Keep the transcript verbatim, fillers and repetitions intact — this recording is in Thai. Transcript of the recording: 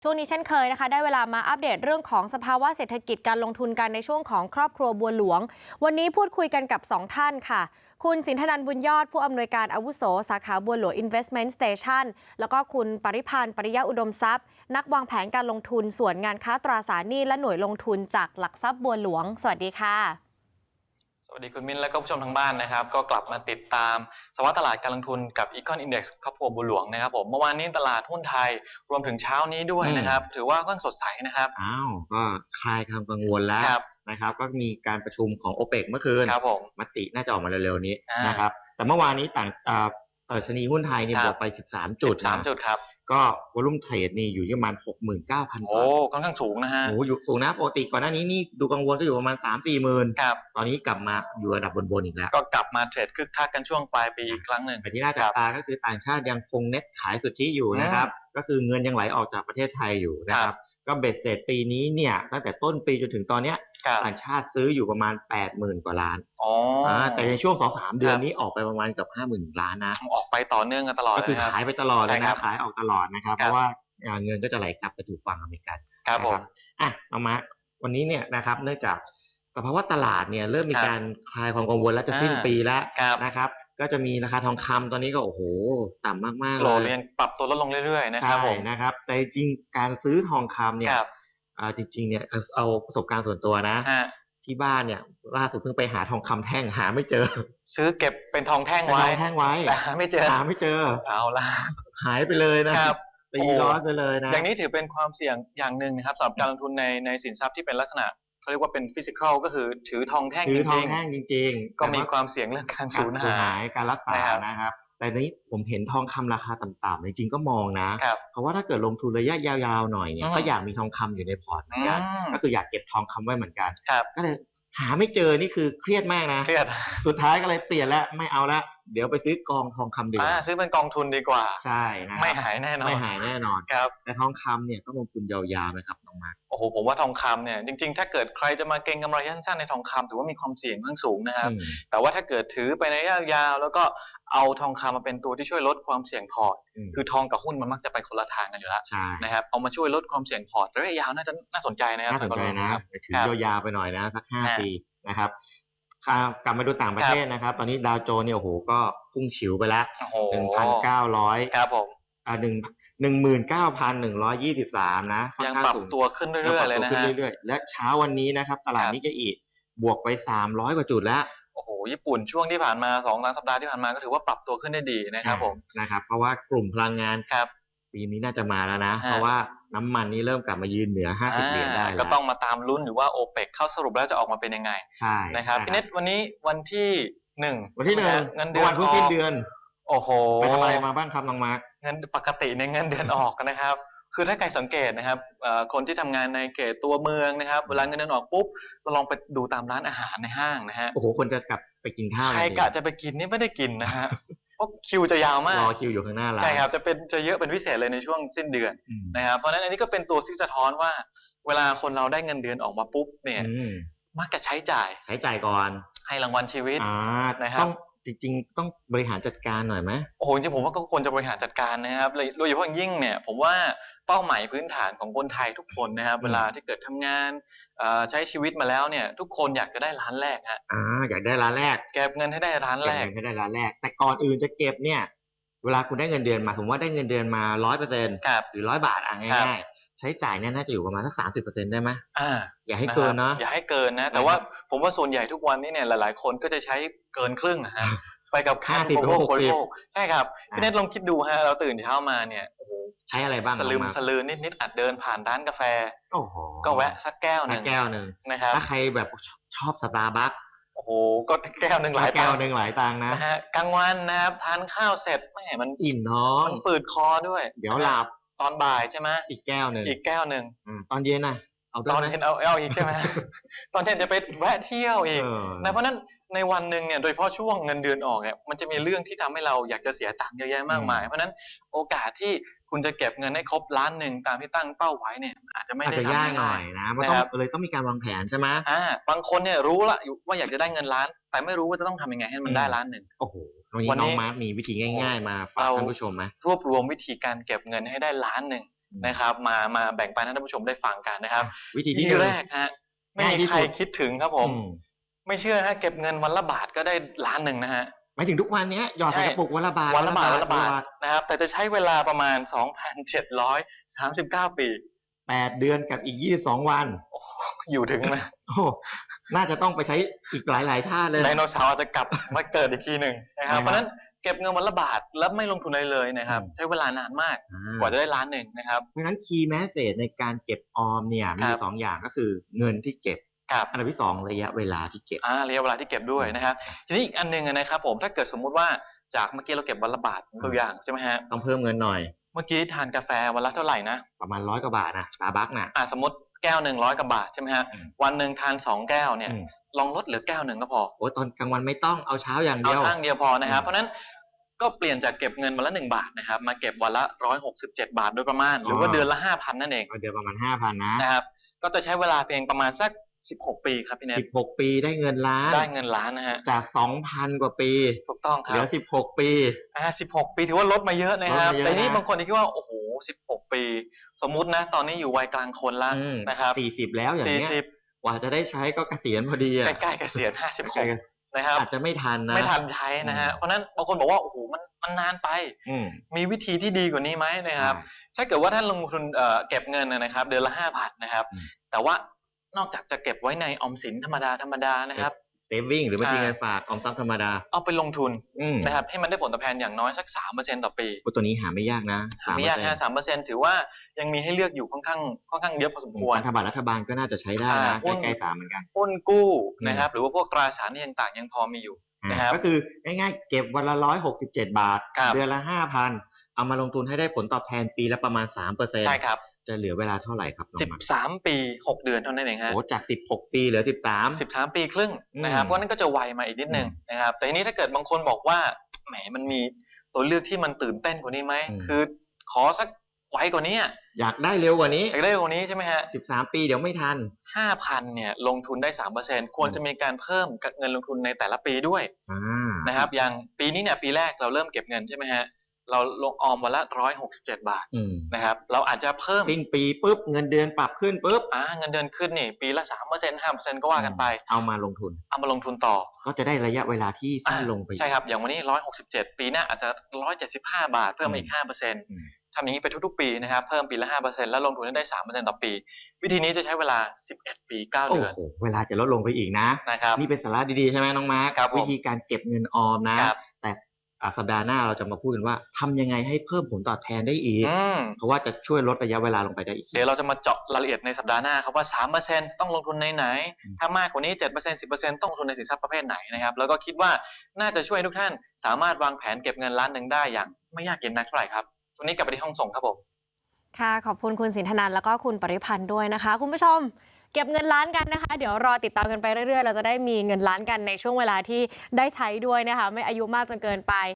ช่วงนี้เช่นเคยนะคะได้เวลามาอัปเดตเรื่องของสภาวะเศรษฐกิจการลงทุนกันในช่วงของครอบครัวบัวหลวงวันนี้พูดคุยกันกับสองท่านค่ะคุณสินธนันท์บุญยอดผู้อำนวยการอาวุโสสาขาบัวหลวง Investment Station แล้วก็คุณปริพันธ์ปริยะอุดมทรัพย์นักวางแผนการลงทุนส่วนงานค้าตราสารหนี้และหน่วยลงทุนจากหลักทรัพย์บัวหลวงสวัสดีค่ะสวัสดีคุณมิ้นและก็ผู้ชมทางบ้านนะครับก็กลับมาติดตามสภาวะตลาดการลงทุนกับ Econ Index ครอบครัวบัวหลวงนะครับผมเมื่อวานนี้ตลาดหุ้นไทยรวมถึงเช้านี้ด้วยนะครับถือว่าค่อนสดใสนะครับอ้าวก็คลายความกังวลแล้วนะครับก็มีการประชุมของ โอเปก เมื่อคืนครับผมมติน่าจะออกมาเร็วๆนี้นะครับแต่เมื่อวานนี้ต่างดัชนีหุ้นไทยนี่บวกไปสิบสามจุดสามจุดครับก็วอลุ่มเทรดนี่อยู่ที่ประมาณ หกหมื่นเก้าพันโอ้ค่อนข้างสูงนะฮะโอ้อยู่สูงนะปกติก่อนหน้านี้นี่ดูกังวลก็อยู่ประมาณ สามสี่ หมื่นครับตอนนี้กลับมาอยู่ระดับบนๆอีกแล้วก็กลับมาเทรดคึกคักกันช่วงปลายปีอีกครั้งหนึ่งแต่ที่น่าจับตาก็คือต่างชาติยังคงเน็ตขายสุทธิอยู่นะครับก็คือเงินยังไหลออกจากประเทศไทยอยู่นะครับก็เบ็ดเสร็จปีนี้เนี่ยตั้งแต่ต้นปีจนถึงตอนเนี้ยต่างชาติซื้ออยู่ประมาณ แปดหมื่น กว่าล้านอ๋อแต่ในช่วง สองถึงสาม เดือนนี้ออกไปประมาณเกือบ ห้าหมื่น ล้านนะออกไปต่อเนื่องกันตลอดก็คือขายไปตลอดเลยนะขายออกตลอดนะครับเพราะว่าเงินก็จะไหลกลับไปถูกฝั่งอเมริกันครับผมอ่ะเอามาวันนี้เนี่ยนะครับเนื่องจากสภาวะตลาดเนี่ยเริ่มมีการคลายความกังวลแล้วจะสิ้นปีแล้วนะครับก็จะมีราคาทองคำตอนนี้ก็โอ้โหต่ำมากๆเลยโหลเปรับตัวลดลงเรื่อยๆนะครับผมนะครับแต่จริงการซื้อทองคำเนี่ยจริงๆเนี่ยเอาประสบการณ์ส่วนตัวนะที่บ้านเนี่ยล่าสุดเพิ่งไปหาทองคำแท่งหาไม่เจอซื้อเก็บเป็นทองแท่งไว้ทองแท่งไว้แต่หาไม่เจอหาไม่เจอเอาละหายไปเลยนะครับตีล้อไปเลยนะอย่างนี้ถือเป็นความเสี่ยงอย่างหนึ่งนะครับสำหรับการลงทุนในในสินทรัพย์ที่เป็นลักษณะเขาเรียกว่าเป็นฟิสิกอลก็คือถือทองแท่งจริงถือทองแท่งจริงๆก็มีความเสี่ยงเรื่องการสูญหายการรักษานะครับแต่นี้ผมเห็นทองคำราคาต่ำๆจริงๆก็มองนะเพราะว่าถ้าเกิดลงทุนระยะยาวๆหน่อยเนี่ยก็อยากมีทองคำอยู่ในพอร์ตเหมือนกันก็คืออยากเก็บทองคำไว้เหมือนกันก็เลยหาไม่เจอนี่คือเครียดมากนะเครียดสุดท้ายก็เลยเปลี่ยนแล้วไม่เอาละเดี๋ยวไปซื้อกองทองคำดีกว่าซื้อเป็นกองทุนดีกว่าใช่นะไม่หายแน่นอนไม่หายแน่นอนครับแต่ทองคำเนี่ยต้องลงทุนยาวๆไหมครับน้องมาร์คโอ้โหผมว่าทองคำเนี่ยจริงๆถ้าเกิดใครจะมาเก็งกำไรสั้นๆในทองคำถือว่ามีความเสี่ยงค่อนข้างสูงนะครับแต่ว่าถ้าเกิดถือไปในระยะยาวแล้วก็เอาทองคำมาเป็นตัวที่ช่วยลดความเสี่ยงพอร์ตคือทองกับหุ้นมันมักจะไปคนละทางกันอยู่แล้วนะครับเอามาช่วยลดความเสี่ยงพอร์ตระยะยาวน่าจะน่าสนใจนะครับน่าสนใจนะถือยาวๆไปหน่อยนะสักห้าปีนะครับกลับมาดูต่างประเทศนะครับตอนนี้ดาวโจนส์เนี่ยโอ้โหก็พุ่งฉิวไปแล้ว หนึ่งพันเก้าร้อยครับผมอ่าหนึ่ง หนึ่งหมื่นเก้าพันหนึ่งร้อยยี่สิบสามนะยังปรับตัวขึ้นเรื่อยๆเลยนะฮะเรื่อยๆและเช้าวันนี้นะครับตลาดนิกเกอิบวกไปสามร้อยกว่าจุดแล้วโอ้โหญี่ปุ่นช่วงที่ผ่านมา สองสัปดาห์ที่ผ่านมาก็ถือว่าปรับตัวขึ้นได้ดีนะครับผมนะครับเพราะว่ากลุ่มพลังงานครับปีนี้น่าจะมาแล้วนะเพราะว่าน้ำมันนี่เริ่มกลับมายืนเหนือห้าสิบเหรียญได้แล้วก็ต้องมาตามลุ้นอยู่ว่า โอเปก เข้าสรุปแล้วจะออกมาเป็นยังไงใช่นะครับพี่เน็ตวันนี้วันที่หนึ่งวันที่หนึ่งเงินเดือนวันเพิ่งสิ้นเดือนโอ้โหไปทำอะไรมาบ้างครับน้องมาร์คเงินปกติในเงินเดือนออกนะครับคือถ้าใครสังเกตนะครับคนที่ทำงานในเขตตัวเมืองนะครับเวลาเงินเดือนออกปุ๊บเราลองไปดูตามร้านอาหารในห้างนะฮะโอ้โหคนจะกลับไปกินข้าวใครกะจะไปกินนี่ไม่ได้กินนะฮะเพราะคิวจะยาวมากรอคิวอยู่ข้างหน้าร้านใช่ครับจะเป็นจะเยอะเป็นพิเศษเลยในช่วงสิ้นเดือนนะครับเพราะฉะนั้นอันนี้ก็เป็นตัวที่สะท้อนว่าเวลาคนเราได้เงินเดือนออกมาปุ๊บเนี่ยมักจะใช้จ่ายใช้จ่ายก่อนให้รางวัลชีวิตนะครับจริงๆต้องบริหารจัดการหน่อยไหมโอ้โหจริงๆผมว่าก็ควรจะบริหารจัดการนะครับโดยเฉพาะยิ่งเนี่ยผมว่าเป้าหมายพื้นฐานของคนไทยทุกคนนะครับเวลาที่เกิดทำงานใช้ชีวิตมาแล้วเนี่ยทุกคนอยากจะได้ล้านแรกฮะอ่าอยากได้ล้านแรกเก็บเงินให้ได้ล้านแรกเก็บเงินให้ได้ล้านแรกแต่ก่อนอื่นจะเก็บเนี่ยเวลาคุณได้เงินเดือนมาสมมติว่าได้เงินเดือนมาร้อยเปอร์เซ็นต์หรือร้อยบาทอ่ะง่ายๆใช้จ่ายเนี่ยน่าจะอยู่ประมาณสักสามสิบเปอร์เซ็นต์ได้ไหมอ่าอย่าให้เกินเนาะอย่าให้เกินนะแต่ว่าผมว่าส่วนใหญ่ทุกวันนี้เนี่ยหลายๆคนก็จะใช้เกินครึ่งนะฮะไปกับค่าสิบหกสิบใช่ครับพี่เนทลองคิดดูฮะเราตื่นเช้ามาเนี่ยโอ้โหใช้อะไรบ้างสลืมสลือนิดๆอาจเดินผ่านร้านกาแฟโอ้โหก็แวะสักแก้วนึงแก้วนึงนะครับถ้าใครแบบชอบสตาร์บัคโอ้โหก็แก้วนึงหลายแก้วนึงหลายตังค์นะนะฮะกลางวันนะครับทานข้าวเสร็จแม่มันอิ่มท้องมันฝืดคอด้วยเดี๋ยวหลับตอนบ่ายใช่ไหมอีกแก้วนึงอีกแก้วนึงตอนเย็นน่ะเอาตอนเย็นเอาเอาอีกใช่ไหมตอนเย็นจะไปแวะเที่ยวอีกนะเพราะนั้นในวันหนึ่งเนี่ยโดยเฉพาะช่วงเงินเดือนออกเนี่ยมันจะมีเรื่องที่ทำให้เราอยากจะเสียตังค์เยอะแยะมากมายเพราะนั้นโอกาสที่คุณจะเก็บเงินให้ครบล้านหนึ่งตามที่ตั้งเป้าไว้เนี่ยอาจจะไม่ได้ทำง่ายหน่อยนะมันต้องเลยต้องมีการวางแผนใช่ไหมอ่าบางคนเนี่ยรู้ละว่าอยากจะได้เงินล้านแต่ไม่รู้ว่าจะต้องทำยังไงให้มันได้ล้านหนึ่งโอ้โหวันนี้น้องมาร์คมีวิธีง่ายๆมาฝากท่านผู้ชมไหมรวบรวมวิธีการเก็บเงินให้ได้ล้านหนึ่งนะครับมามาแบ่งปันให้ท่านผู้ชมได้ฟังกันนะครับวิธีที่แรกฮะไม่มีใครคิดถึงครับผมไม่เชื่อฮะเก็บเงินวันละบาทก็ได้ล้านหนึ่งนะฮะหมายถึงทุกวันนี้หยอดใส่กระปุกวันละบาทวันละบาทวันละบาทนะครับแต่จะใช้เวลาประมาณ สองพันเจ็ดร้อยสามสิบเก้า ปีแปดเดือนกับอีกยี่สิบสองวันอยู่ถึงไหมโอ้น่าจะต้องไปใช้อีกหลายๆชาติเลยไดโนเสาร์จะกลับมาเกิดอีกทีหนึ่งนะครับเพราะฉะนั้นเก็บเงินวันละบาทแล้วไม่ลงทุนอะไรเลยนะครับใช้เวลานานมากกว่าจะได้ล้านหนึ่งนะครับเพราะฉะนั้นคีย์แมสเสจในการเก็บออมเนี่ยมีสองอย่างก็คือเงินที่เก็บอันดับที่สองระยะเวลาที่เก็บอ่าระยะเวลาที่เก็บด้วยนะครับทีนี้อีกอันนึงนะครับผมถ้าเกิดสมมุติว่าจากเมื่อกี้เราเก็บวันละบาทตัวอย่างใช่ไหมฮะต้องเพิ่มเงินหน่อยเมื่อกี้ทานกาแฟวันละเท่าไหร่นะประมาณร้อยกว่าบาทนะสตาร์บัคนะอ่าสมมติแก้วหนึ่งร้อยกว่าบาทใช่ไหมฮะวันหนึ่งทานสองแก้วเนี่ยลองลดเหลือแก้วหนึ่งก็พอโอ้ตอนกลางวันไม่ต้องเอาเช้าอย่างเดียวเอาเช้าเดียวพอนะครับเพราะนั้นก็เปลี่ยนจากเก็บเงินวันละหนึ่งบาทนะครับมาเก็บวันละร้อยหกสิบเจ็ดบาทโดยประมาณหรือว่าเดือนละห้าพันนั่นเองเดือนประมาณห้าพันนะนะครับก็จะใช้เวลาเพียงประมาณสักสิบหกปีครับพี่เนทสิบหกปีได้เงินล้านได้เงินล้านนะฮะจาก สองพัน กว่าปีถูกต้องครับเหลือสิบหกปีอ่าสิบหกปีถือว่าลดมาเยอะนะครับแต่นี่บางคนคิดว่าโอ้โหสิบหกปีสมมุตินะตอนนี้อยู่วัยกลางคนแล้วนะครับสี่สิบแล้วอย่างเงี้ยกว่าจะได้ใช้ก็เกษียณพอดีอ่ะใกล้ๆเกษียณห้าสิบหกนะครับอาจจะไม่ทันนะไม่ทันใช้นะฮะเพราะนั้นบางคนบอกว่าโอ้โหมันมันนานไปมีวิธีที่ดีกว่านี้ไหมนะครับถ้าเกิดว่าท่านลงทุนเก็บเงินนะครับเดือนละห้าพันนะครับแต่ว่านอกจากจะเก็บไว้ในออมสินธรรมดาธรรมดานะครับเซฟวิ่งหรือบัญชีเงินฝากออมทรัพย์ธรรมดาเอาไปลงทุนนะครับให้มันได้ผลตอบแทนอย่างน้อยสัก สามเปอร์เซ็นต์ ต่อปีตัวนี้หาไม่ยากนะหาไม่ยากนะ สามเปอร์เซ็นต์ ถือว่ายังมีให้เลือกอยู่ค่อนข้างค่อนข้างเยอะพอสมควรพันธบัตรรัฐบาลก็น่าจะใช้ได้นะใกล้ๆสามเหมือนกันหุ้นกู้นะครับหรือว่าพวกตราสารหนี้ต่างๆยังพอมีอยู่นะครับก็คือง่ายๆเก็บวันละหนึ่งร้อยหกสิบเจ็ดบาทเดือนละ ห้าพัน เอามาลงทุนให้ได้ผลตอบแทนปีละประมาณ สามเปอร์เซ็นต์ใช่ครับจะเหลือเวลาเท่าไหร่ครับสิบสามปีหกเดือนเท่านั้นเองฮะโอ้จากสิบหกปีเหลือสิบสามสิบสามปีครึ่งนะครับเพราะนั้นก็จะไวมาอีกนิดนึงนะครับแต่ทีนี้ถ้าเกิดบางคนบอกว่าแหมมันมีตัวเลือกที่มันตื่นเต้นกว่านี้ไหมคือขอสักไวกว่านี้อยากได้เร็วกว่านี้อยากได้กว่านี้ใช่ไหมฮะสิบสามปีเดี๋ยวไม่ทันห้าพัน เนี่ยลงทุนได้ สามเปอร์เซ็นต์ ควรจะมีการเพิ่มเงินลงทุนในแต่ละปีด้วยนะครับอย่างปีนี้เนี่ยปีแรกเราเริ่มเก็บเงินใช่ไหมฮะเราลงออมวันละหนึ่งร้อยหกสิบเจ็ดบาทนะครับเราอาจจะเพิ่มสิ้นปีปุ๊บเงินเดือนปรับขึ้นปุ๊บอ่าเงินเดือนขึ้นนี่ปีละ สามเปอร์เซ็นต์ ห้าเปอร์เซ็นต์ ก็ว่ากันไปเอามาลงทุนเอามาลงทุนต่อก็จะได้ระยะเวลาที่สั้นลงไปใช่ครับอย่างวันนี้หนึ่งร้อยหกสิบเจ็ดปีหน้าอาจจะหนึ่งร้อยเจ็ดสิบห้าบาทเพิ่มอีก ห้าเปอร์เซ็นต์ทำอย่างนี้ไปทุกๆปีนะครับเพิ่มปีละ ห้าเปอร์เซ็นต์ แล้วลงทุนได้ สามเปอร์เซ็นต์ ต่อปีวิธีนี้จะใช้เวลาสิบเอ็ดปีเก้าเดือนโอ้โหเวลาจะลดลงไปอีกนะนะครับนี่เป็นสาระดีๆใช่ไหมน้องมาร์ควิธีการเก็บเงินออมนะแต่สัปดาห์หน้าเราจะมาพูดกันว่าทำยังไงให้เพิ่มผลตอบแทนได้อีกเพราะว่าจะช่วยลดระยะเวลาลงไปได้อีกเดี๋ยวเราจะมาเจาะรายละเอียดในสัปดาห์หน้าครับว่า สามเปอร์เซ็นต์ ต้องลงทุนในไหนถ้ามากกว่านี้ เจ็ดเปอร์เซ็นต์ สิบเปอร์เซ็นต์ ต้องลงทุนในสินทรัพย์ประเภทไหนนะครับแล้วก็คิดว่าน่าจะช่วยทุกท่านสามารถวางแผนเก็บเงินล้านหนึ่งได้อย่างไม่ยากเย็นนักเท่าไหร่ครับวันนี้กลับไปที่ห้องส่งครับผมค่ะขอบคุณคุณสินธนันท์แล้วก็คุณปริพันธ์ด้วยนะคะคุณผู้ชมเก็บเงินล้านกันนะคะเดี๋ยวรอติดตามกันไปเรื่อยๆเราจะได้มีเงินล้านกันในช่วงเวลาที่ได้ใช้ด้วยนะคะไม่อายุมากจนเกินไป